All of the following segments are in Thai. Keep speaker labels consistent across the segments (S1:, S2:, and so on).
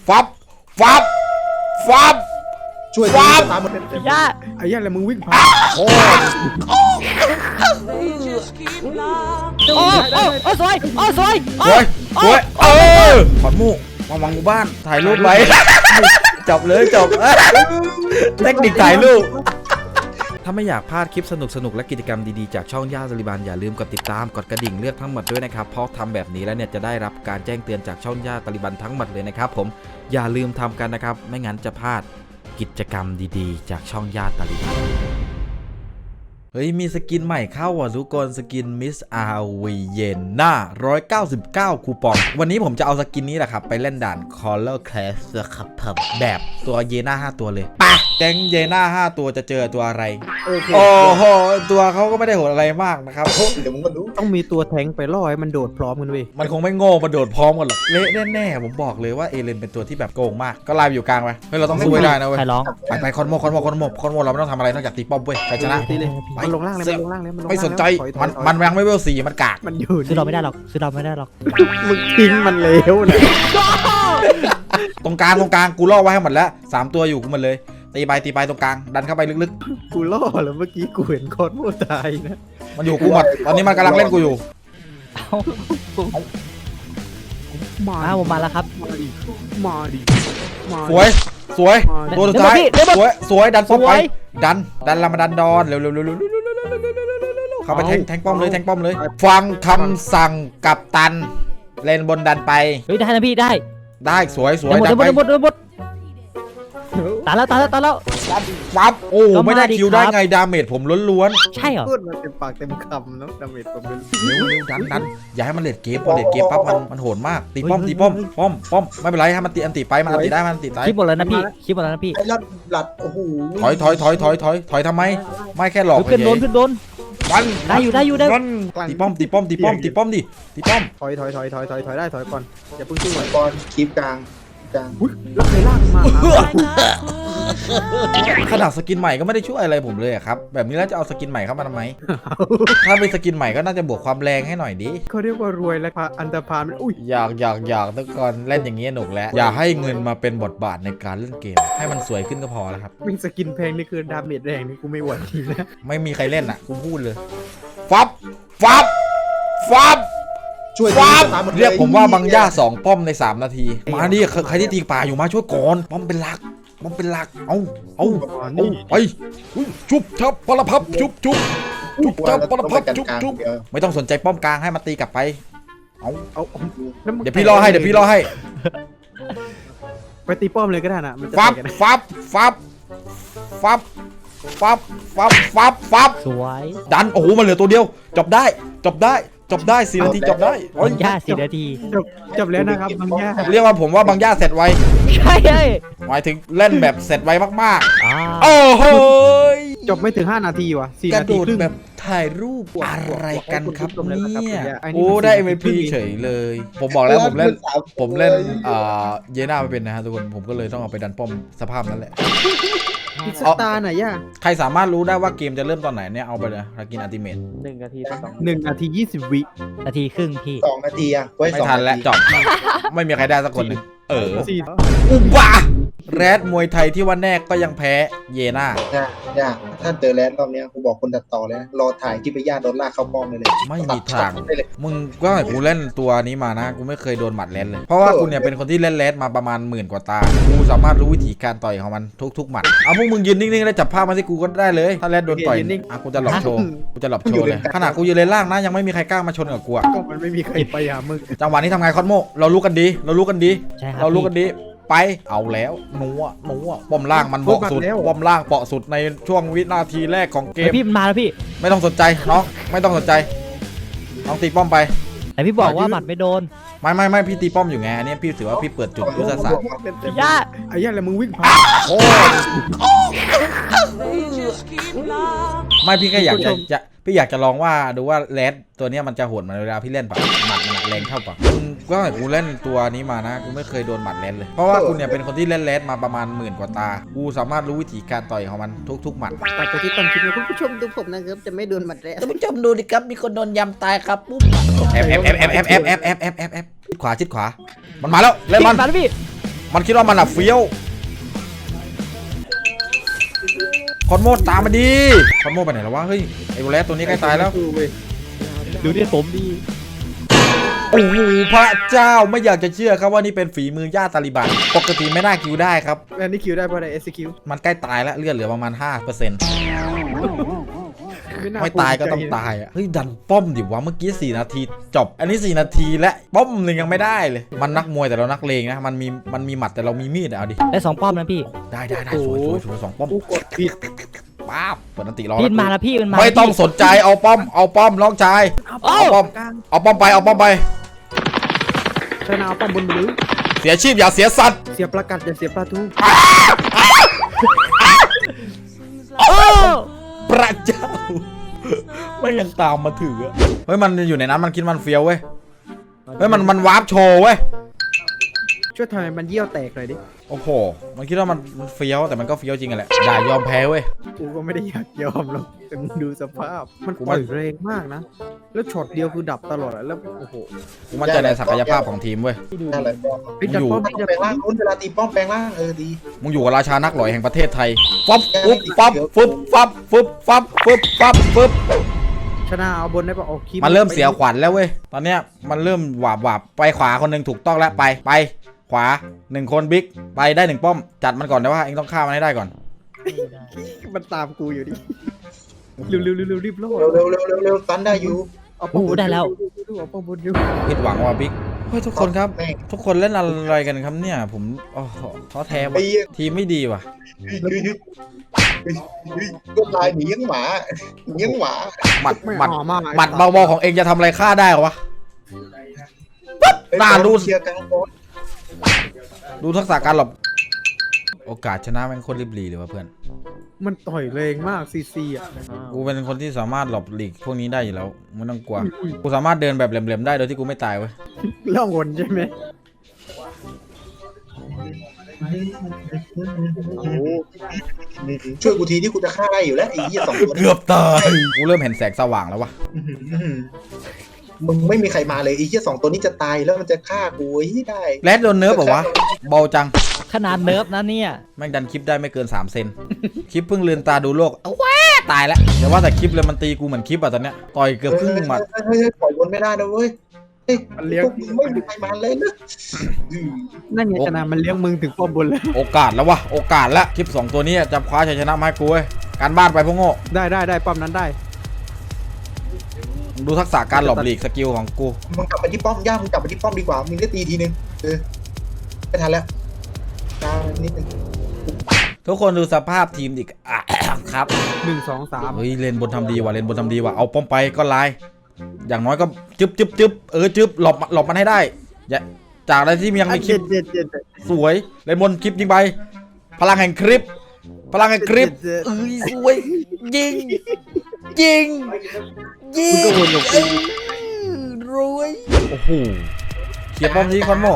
S1: ฟับฟับฟับ
S2: ช่วย
S1: ฟับ
S2: ตามมา
S3: ย่า
S4: ไอ้ยันอะไรมึงวิ่งผ่าน
S1: โอ้
S3: โอ้สวยโอ้สวย
S1: สวยสวยขอนมูกมาวางหมู่บ้านถ่ายรูปไว้ จบเลยจบเทคนิคถ่ายรูปถ้าไม่อยากพลาดคลิปสนุกและกิจกรรมดีๆจากช่องย่าตาลิบันอย่าลืมกดติดตามกดกระดิ่งเลือกทั้งหมดด้วยนะครับเพราะทำแบบนี้แล้วเนี่ยจะได้รับการแจ้งเตือนจากช่องย่าตาลิบันทั้งหมดเลยนะครับผมอย่าลืมทำกันนะครับไม่งั้นจะพลาดกิจกรรมดีๆจากช่องย่าตาลิบันเฮ้ยมีสกินใหม่เข้าว่ะทุกคนสกินมิสอาวีเยนน่า199คูปองวันนี้ผมจะเอาสกินนี้แหละครับไปเล่นด่าน Color Clash ครับแบบตัวเยน่า5ตัวเลยปะแก๊งเยน่า5ตัวจะเจอตัวอะไรโอ้โหตัวเขาก็ไม่ได้โหดอะไรมากนะครับ
S2: เดี๋ยวมึงก็รู้
S4: ต้องมีตัวแทงไปล่อให้มันโดดพร้อมกันเว้ย
S1: มันคงไม่โง่มาโดดพร้อมกันหรอกเละแน่ๆผมบอกเลยว่าเอเลนเป็นตัวที่แบบโกงมากก็ไล่อยู่กลางไปเฮ้ยเราต้องสู้ให้ได้นะเว้ย
S3: ใครร้อง
S1: ไปคอนโมเราไม่ต้องทำอะไรนอกจากตีป้อมเว้ยใครชนะ
S4: ตีเลย
S1: ไป
S4: มันลงล่างเลยมันลงล่างเลยมันลงล่าง
S1: ไม่สนใจ
S4: ถอย
S1: มันยังไม่เวล4มันกาก
S4: มันอยู่
S3: ซื้อเราไม่ได้หรอกซื้อเราไม่ได้หรอก
S4: มึงทิ้งมันเลวนะ
S1: ตรงกลางกูล่อไว้ให้หมดแล้ว3ตัวอยู่กูหมดเลยตีไปตรงกลางดันเข้าไปลึก
S4: กูล่อแล้วเมื่อกี้กูเห็นคอนโมตายนะ
S1: ๆมันอยู่กูหมดตอนนี้มันกำลังเล่นกูอยู่
S3: ผมมาแล้วครับ
S4: มาดิมาดิ
S1: สวยตัวสุดท้ายสวยดันป้อมไปดันละมาดันดอนเร็วเข้าไปแทงป้อมเลยฟังคำสั่งกัปตันเล่นบนดันไป
S3: เฮ้ยได้นะพี่ได้
S1: สวย
S3: หมด
S1: ดันไป
S3: หมดตายแล้ว
S1: ปั๊บโอ้
S3: ก็มา
S1: ไม่ได้
S3: ดิ
S1: คิวได้
S3: ครับ
S1: ไงดาเมจผมล้วน
S3: ใช่เหรอ
S4: พูดมาเต็มปากเต็มคำเนาะดาเมจผมเป็น
S1: ๆเร็วดันอย่าให้มันเลดเกมพอเลดเกมปั๊บมันโหดมากตีป้อมไม่เป็นไรให้มันตีอันตีไปมันอันตีได้มันอันตีได้
S3: คลิปหมดแล้วนะพี่คลิปหมดแล้วนะพี่
S2: ไอ้หลัดโอ้โห
S1: ถอยทำไมไม่แค่หลอก
S3: ขึ้นโดน
S1: มัน
S3: ได้อยู่
S1: มันตีป้อมดิตีป้อม
S4: ถอยได้ถอยก่อนอย่าเพิ่งสู้
S2: มังกรคลิปกลาง
S4: อุ้ยแล้วใครลากมา
S1: ขนาดสกินใหม่ก็ไม่ได้ช่วยอะไรผมเลยอะครับแบบนี้แล้วจะเอาสกินใหม่เข้ามาทำไมถ้าเป็นสกินใหม่ก็น่าจะบวกความแรงให้หน่อยดิ
S4: เขาเรียกว่ารวยและอันตรพานมันอุ้ย
S1: อยากทุกคนเล่นอย่างนี้หนุกแล้วอย่าให้เงินมาเป็นบทบาทในการเล่นเกมให้มันสวยขึ้นก็พอแล้วครับ
S4: วิ่งสกินแพงนี่คือดาเมจแรงนี่กูไม่ไหวทีนะ
S1: ไม่มีใครเล่นอ่ะกูพูดเลยฟับ
S2: ช่วย
S1: ฟับเรียกผมว่าบางย่า2ป้อมใน3นาทีมาดิใครที่ตีป่าอยู่มาช่วยก่อนป้อมเป็นหลักเอาไปชุบทับปลพับชุบทับปลพับชุบไม่ต้องสนใจป้อมกลางให้มันตีกลับไปเอาเดี๋ยวพี่รอให้
S4: ไปตีป้อมเลยก็ได้นะมันจะ
S1: ฟับ
S3: สวย
S1: ดันโอ้โหมันเหลือตัวเดียวจบได้4 นาทีจบได้
S3: บางย่า4 นาที
S4: จบแล้วนะครับบางย่า
S1: เรียกว่าผมว่าบางย่าเสร็จไว
S3: ใช่เฮ้ย
S1: หมายถึงเล่นแบบเสร็จไวมากๆโอ้โห
S4: จบไม่ถึง5 นาทีว่ะ4
S1: กระ
S4: นา
S1: โด
S4: ที
S1: ด
S4: ครึ่ง
S1: แบบถ่ายรูปอะไรกันครับ
S4: ขอบคุณครับ
S1: เนี่ย
S4: อันนี้
S1: โอ้
S4: มัน
S1: ได้
S4: 4
S1: MVP
S4: นาที
S1: เฉยเลย ผมบอกแล้วผมเล่นเยน่าไม่เป็นนะฮะทุกคนผมก็เลยต้องเอาไปดันป้อมสภาพนั้นแหละ
S4: พิซตาร์หน่อยย่า
S1: ใครสามารถรู้ได้ว่าเกมจะเริ่มตอนไหนเนี่ยเอาไปเลยรากินอัลติเมท
S4: 1 นาที 20 วิ
S3: นาทีครึ่งพี่
S2: 2 นาทีอะไว้
S1: ไม่
S2: 2
S1: ทัน
S2: นา
S1: แล้ว
S2: ที
S1: จบไม่มีใครได้สักคนหนึ่ง
S4: 4
S1: อุบะแรดมวยไทยที่ว่าแน่ก็ยังแพ้เยน่า
S2: ย่าถ้าเจอแลนด์รอบนี้กูบอกคนตัดต่อเลยนะรอถ่ายที่ไปย่าโดนลากเข้าป้อมเลย
S1: ไม่มีทาง
S2: ได้เลย
S1: มึงก็ให้กูเล่นตัวนี้มานะกูไม่เคยโดนหมัดแรดเลยเพราะว่ากูเนี่ยเป็นคนที่เล่นแรดมาประมาณ10,000 กว่าตากูสามารถรู้วิธีการต่อยของมันทุกหมัดเอาพวกมึงยืนนิ่งๆแล้วจับภาพมาที่กูก็ได้เลยถ้าแรดโดนต่อยกูจะหลบโชว์เลยขนาดกูยืนเลนล่างนะยังไม่มีใครกล้ามาชนกับกู
S4: ก็มันไม่มีใครไปหามึง
S1: จังหวะนี้ทำไงคอนโมเรารู้กันดี
S3: ใช่ครับ
S1: เรารู้กันดีไปเอาแล้วหนูป้อมล่างมันเบาะสุดป้อมล่างเปาะสุดในช่วงวินาทีแรกของเกม
S3: พี่มันมาแล้วพี่
S1: ไม่ต้องสนใจน้องไม่ต้องสนใจน้องตีป้อมไป
S3: แต่พี่บอกว่าหมัดไม่โดน
S1: ไม่พี่ตีป้อมอยู่ไงอันนี้พี่ถือว่าพี่เปิดจุดยุทธศาสตร์
S3: ย่า
S4: ไอ้ย่าอะไรมึงวิ่งผ่าน
S1: โอ้ไม่พี่แค่อยากจะลองว่าดูว่าแรดตัวเนี้ยมันจะโหดเหมือนเวลาพี่เล่นปะหมัดมันแรงเท่าปะก็ให้กูเล่นตัวนี้มานะกูไม่เคยโดนหมัดแรดเลยเพราะว่ากูเนี่ยเป็นคนที่เล่นแรดมาประมาณ10,000 กว่าตากูสามารถรู้วิธีการต่อยของมันทุกหมัด
S4: ตัดไปที่ต้นคลิปนะคุณผู้ชมดูผมนะครับจะไม่โดนหมัดแรก
S1: ท่านผู้ชมดูดิครับมีคนโดนยำตายครับปุ๊บแอบชิดขวามันมาแล้วเล่นมัน
S3: มาแล้วพี่
S1: มันคิดว่ามันอะเฟี้ยวคอนโมตามมาดีคอนโมไปไหนแล้ววะเฮ้ยไอ้โรเลสตัวนี้ใกล้ตายแล้ว
S3: ดูเนี่ยผมดี
S1: โอ้โหพระเจ้าไม่อยากจะเชื่อครับว่านี่เป็นฝีมือญาติตาลิบันปกติไม่น่าคิวได้ครับ
S4: แล้วนี่คิวได้เพราะอะไร SQ
S1: มันใกล้ตายแล้วเลือดเหลือประมาณ 5% ไม่ตายก็ต้องตายอ่ะเฮ้ยดันป้อมดิวะเมื่อกี้4นาทีจบอันนี้4นาทีและป้อมหนึ่งยังไม่ได้เลยมันนักมวยแต่เรานักเลงนะมันมีหมัดแต่เรามีมีดอะเอาดิ
S3: ได้2ป้อมนะพี่
S1: ได้สวย2ป้อม
S4: กูกดผิด
S1: ป๊าบเปิดอันติรอ
S3: พี่มาแล้วพี่มันมา
S1: ไม่ต้องสนใจเอาป้อมน้องชายเอาป้อมไป
S4: ชนะเอาป้อมบนหรือ
S1: เสียชีพอย่าเสียสัตว์
S4: เสียประกัดอย่าเสียปลาทู
S3: โอ้
S1: พระเจ้าไม่ยังตามมาถือเฮ้ยมันอยู่ในนั้นมันคิดมันเฟี้ยวเว้ยเฮ้ยมันวาร์ปโชว์เว้ย
S4: ช่วยทำให้มันเยี่ยวแตกหน่อยดิ
S1: โอ้โหมันคิดว่ามันเฟี้ยวแต่มันก็เฟี้ยวจริงกันแหละอย่ายอมแพ้เว้ย
S4: กูก็ไม่ได้อยากยอมหรอกแต่มึงดูสภาพมัน
S1: กู
S4: ป
S1: ว่า
S4: ล่อยแรงมากนะแล้วช็อตเดียวคือดับตลอดอะแล้วโอ้โห
S1: กูมั่นใจในศักยภาพของทีมเว้ย
S2: นั่นแหละป้อม
S4: พี่จัดป้อม
S2: ป้อม
S4: พี่จัด
S2: แปลง
S4: ป้อ
S2: ร่าม งนู้นเวลาตีป้อมแปลงร่างดี
S1: มึงอยู่กับราชานักหล่อยแห่งประเทศไทยฟับปุ๊บ
S4: ชนะเอาบนได้ปะเอาคีบ
S1: มันเริ่มเสียขวัญแล้วเว้ยตอนเนี้ยมันเริ่มหวาบไปขวาคนหนึ่งถูกต้องแล้วไปขวา1คนบิ๊กไปได้1ป้อมจัดมันก่อนแต่ว่าเองต้องฆ่ามันให้ได้ก่อน
S4: มันตามกูอยู่ดิเร็วรีบโลด
S2: เร็วตันได้อยู่
S4: เอาป้อมบนเอาป้อมบนอยู่
S1: ผิดหวังว่ะบิ๊กเฮ้ยทุกคนครับ
S2: แม่ง
S1: ทุกคนเล่นอะไรกันครับเนี่ยผมท้อแท้ว่ะ
S2: ไอ้เหี้ย
S1: ทีมไม่ดีว่ะ
S2: ก็ตายหนียังหมา
S1: หมัด
S4: ไม่
S1: หมัด
S4: หอมมาก
S1: หมัดเบาๆของเองจะทำอะไรฆ่าได้เหรอวะ น่ารู้
S2: เชียร์กลางบอล
S1: ดูทักษะการหลบโอกาสชนะแม่งโคตรริบหรี่เลยว่ะเพื่อน
S4: มันต่อยแรงมากซีอ่ะ
S1: กูเป็นคนที่สามารถหลบหลีกพวกนี้ได้อยู่แล้วไม่ต้องกลัวกูสามารถเดินแบบแหลมๆได้โดยที่กูไม่ตายเว้ย
S4: ล่องหนใช่ไหม
S2: ช่วยกูทีที่กูจะฆ่าได้อยู่แล้วไอ้เหี้ย2 ตัว
S1: เกือบตายกูเริ่มเห็นแสงสว่างแล้ววะ
S2: มึงไม่มีใครมาเลยไอ้เหี้ย2 ตัวนี้จะตายแล้วมันจะฆ่ากูไอ้เหี้ยได้
S1: แรดโดนเนิร์ฟเหรอวะเบาจัง
S3: ขนาดเนิร์ฟนะเนี่ย
S1: แม่งดันคลิปได้ไม่เกิน3 เซนคลิปเพิ่งลืมตาดูโลกเอาแว้ตายแล้วแต่ว่าแต่คลิปเลยมันตีกูเหมือนคลิปอะตอนเนี้ยต่อยเกือบครึ่งหมัด
S2: เฮ้ยปล่อยบนไม่ได้นะเว้ยเฮ้ย
S4: มันเลี้ยง
S2: พวกมึงไม่มีใครมาเลยนะ
S4: นั่นไงชนะมันเลี้ยงมึงถึงป้อมบนแล้ว
S1: โอกาสแล้ววะโอกาสแล้วคลิป2 ตัวนี้จะคว้าชัยชนะมาให้กูเว้ยการบ้านไปพวกโง่
S4: ได้ป้อมนั้นได้
S1: ดูทักษะการหลบหลีกสกิลของกู
S2: มึงกลับไปที่ป้อมย่ามึงกลับไปที่ป้อมดีกว่ามึงได้ตีทีนึงไม่ทันแล้วช้านิดนึง
S1: ทุกคนดูสภาพทีมอีกอ่ะ ครับ
S4: 1 2 3
S1: เฮ้ยเลนบนทำดีว่ะเลนบนทำดีว่ะเอาป้อมไปก็ลายอย่างน้อยก็จึ๊บจึ๊บหลบมันให้ได้อย่าจากอะไรที่ยังไม่คลิป
S4: เจ็ด
S1: สวยเลนบนคลิปยิงไปพลังแห่งคลิปเอ้ยสวยยิง
S4: มึงก็วนกับกู
S1: รวยโอ้โหเขียนป้อมนี้คอนโม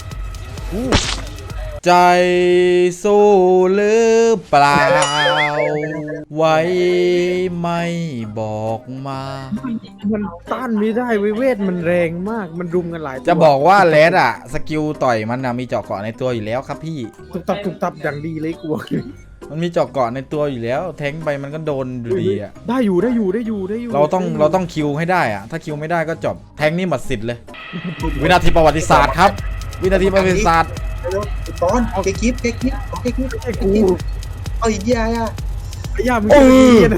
S1: ใจสู้หรือเปล่าไว้ไม่บอกมา
S4: มันต้านไม่ได้เวทมันแรงมากมันรุมกันหลายตัว
S1: จะบอกว่าเลสอะสกิลต่อยมันนะมีเจาะเกาะในตัวอยู่แล้วครับพี่
S4: ตุบตับอย่างดีเลยกูบอกเลย
S1: มันมีเจาะเกาะในตัวอยู่แล้ว แทงไปมันก็โดนอยู่ดีอะ
S4: ได้อยู่
S1: เราต้องคิวให้ได้อะถ้าคิวไม่ได้ก็จบแทงนี่หมดสิทธิ์เลย วินาทีประวัติศาสตร์ครับ วินาทีประวัติศาสตร์
S2: เร็วตอนเก๊กคิปไอ้กูเอาอีกยาอ่ะ
S4: ไอ้ย่ามึงจะดีนะ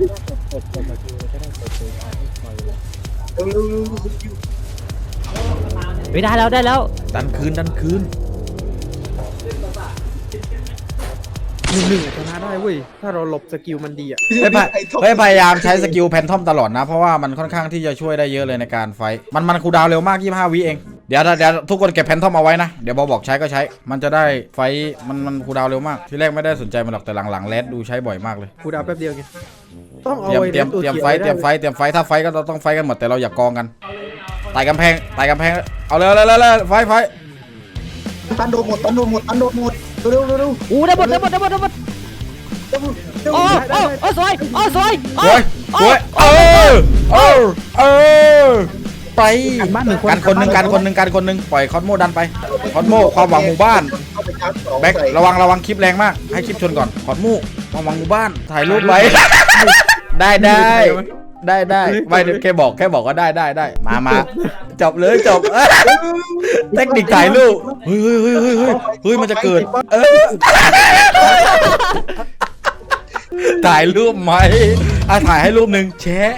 S2: เร็ว
S3: ไม่ได้แล้ว
S1: ดันคืน
S4: 1-1ชนะได้เว้ยถ้าเราหลบสกิลมันดีอ่ะ
S1: พยายามใช้สกิลแพนทอมตลอดนะ เพราะว่ามันค่อนข้างที่จะช่วยได้เยอะเลยในการไฟท์มันคูลดาวน์เร็วมาก25 วิเองเดี๋ยวทุกคนเก็บแพนทอมเอาไว้นะเดี๋ยวบอกใช้ก็ใช้มันจะได้ไฟท์มันคูลดาวน์เร็วมากที่แรกไม่ได้สนใจมันหรอกแต่หลังๆแรดดูใช้บ่อยมากเลย
S4: กูดาวแป๊บเดียวไงต้องเอา
S1: เตรียมไฟท์ถ้าไฟท์ก็ต้องไฟท์กันหมดแต่เราอย่ากองกันไต่กำแพงเอาเลยไฟท์
S2: ตันโดนหมดเร็ว
S3: อู้ได้หมดโอ้สวย
S1: โอ้ยไปกันคนหนึ่งปล่อยคอนโมดันไปคอนโมความหวังหมู่บ้านแบ็คระวังคลิปแรงมากให้คลิปชนก่อนขอดมูระวังหมู่บ้านถ่ายรูปไว้ ได้ไม่แค่บอกว่าได้มาจบเลยจบเทคนิคถ่ายรูปเฮ้ยมันจะเกิดถ่ายรูปไหมถ่ายให้รูปหนึ่งแชะ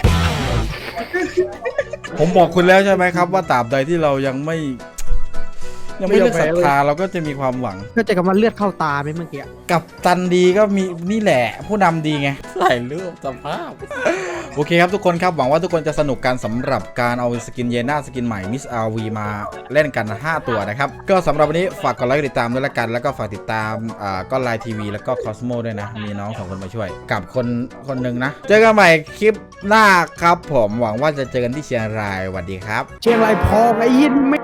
S1: ผมบอกคุณแล้วใช่ไหมครับว่าตราบใดที่เรายังไม่เลิกศรัทธาเราก็จะมีความหวัง
S4: เข้าใจคำว่าเลือดเข้าตาไหมเมื่อกี้
S1: กับตันดีก็มีนี่แหละผู้นำดีไงถ่ายรูปสภาพ โอเคครับทุกคนครับหวังว่าทุกคนจะสนุกกันสำหรับการเอาสกินเยน่าสกินใหม่มิสอาวีมาเล่นกัน5ตัวนะครับก็สำหรับวันนี้ฝากกดไลค์ติดตามด้วยละกันแล้วก็ฝากติดตามก็ไลน์ทีวีแล้วก็คอสโมด้วยนะมีน้อง2 คนมาช่วยกับคนหนึ่งนะเจอกันใหม่คลิปหน้าครับผมหวังว่าจะเจอกันที่เชียงรายสวัสดีครับ
S4: เชียงรายพอไอ้ยินไม่